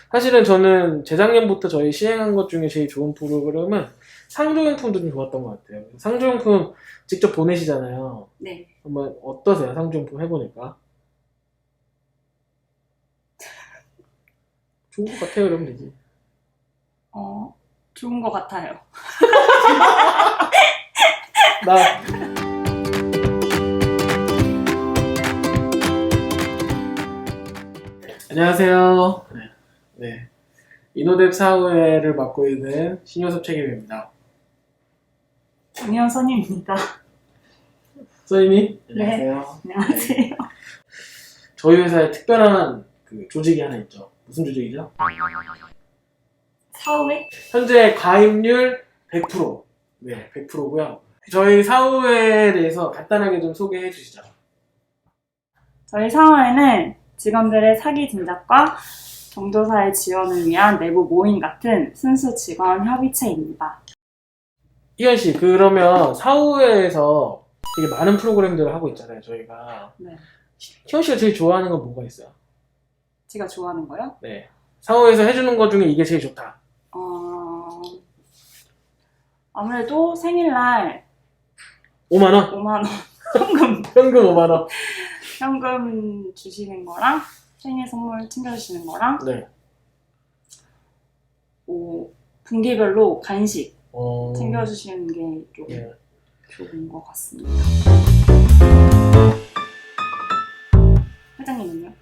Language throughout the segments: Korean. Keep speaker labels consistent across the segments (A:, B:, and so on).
A: 사실은 저는 재작년부터 저희 시행한 것 중에 제일 좋은 프로그램은 상조용품도 좀 좋았던 것 같아요. 상조용품 직접 보내시잖아요.
B: 네.
A: 한번 어떠세요? 상조용품 해보니까. 좋은 것 같아요, 그러면 되지.
B: 좋은 것 같아요.
A: 나 안녕하세요. 네. 이노뎁 사후회를 맡고 있는 신효섭 책임입니다.
B: 정현선입니다.
A: 선생님,
B: 네.
A: 안녕하세요.
B: 안녕하세요.
A: 저희 회사에 특별한 그 조직이 하나 있죠. 무슨 조직이죠?
B: 사후에?
A: 현재 가입률 100%. 네, 100%고요. 저희 사후회에 대해서 간단하게 좀 소개해 주시죠.
B: 저희 사후에는 직원들의 사기 진작과 경조사의 지원을 위한 내부 모임 같은 순수 직원 협의체입니다.
A: 희연 씨, 그러면 사후회에서 되게 많은 프로그램들을 하고 있잖아요, 저희가.
B: 네.
A: 희연 씨가 제일 좋아하는 건 뭐가 있어요?
B: 제가 좋아하는 거요?
A: 네. 사후회에서 해주는 것 중에 이게 제일 좋다.
B: 아무래도 생일날
A: 5만원?
B: 5만 원 현금
A: 현금 5만원.
B: 현금 주시는 거랑 생일 선물 챙겨주시는 거랑
A: 네.
B: 분기별로 간식
A: 어...
B: 챙겨주시는 게 좀
A: 네.
B: 좋은 것 같습니다. 회장님은요?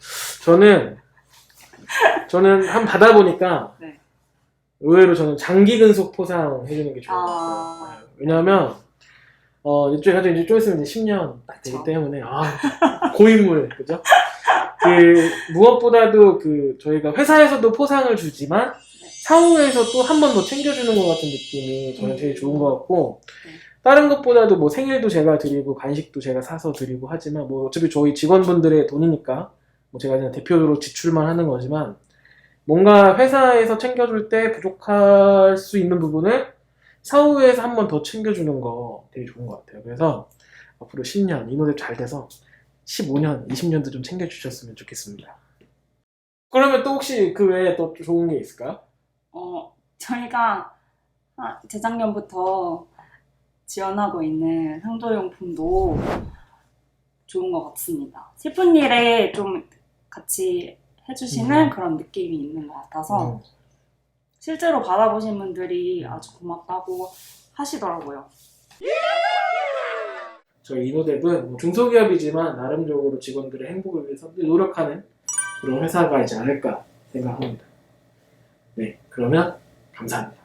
A: 저는 한 받아보니까
B: 네.
A: 의외로 저는 장기 근속 포상 해주는 게 좋은 것 같아요. 왜냐하면 이쪽에 가지고 이제 좀 있으면 이제 10년 딱 되기
B: 그쵸.
A: 때문에 고인물 그죠? 그 무엇보다도 그 저희가 회사에서도 포상을 주지만 사후에서 또 한 번 더 챙겨주는 것 같은 느낌이 저는 제일 좋은 것 같고
B: 네.
A: 다른 것보다도 뭐 생일도 제가 드리고 간식도 제가 사서 드리고 하지만 뭐 어차피 저희 직원분들의 돈이니까 뭐 제가 그냥 대표로 지출만 하는 거지만 뭔가 회사에서 챙겨줄 때 부족할 수 있는 부분을 사후에서 한 번 더 챙겨주는 거 되게 좋은 것 같아요. 그래서 앞으로 10년 이노뎁 잘 돼서 15년, 20년도 좀 챙겨주셨으면 좋겠습니다. 그러면 또 혹시 그 외에 또 좋은 게 있을까요?
B: 저희가 재작년부터 지원하고 있는 상조용품도 좋은 것 같습니다. 슬픈 일에 좀 같이 해주시는 그런 느낌이 있는 것 같아서 실제로 받아보신 분들이 아주 고맙다고 하시더라고요.
A: 저희 이노뎁은 중소기업이지만 나름적으로 직원들의 행복을 위해서 노력하는 그런 회사가 있지 않을까 생각합니다. 네, 그러면 감사합니다.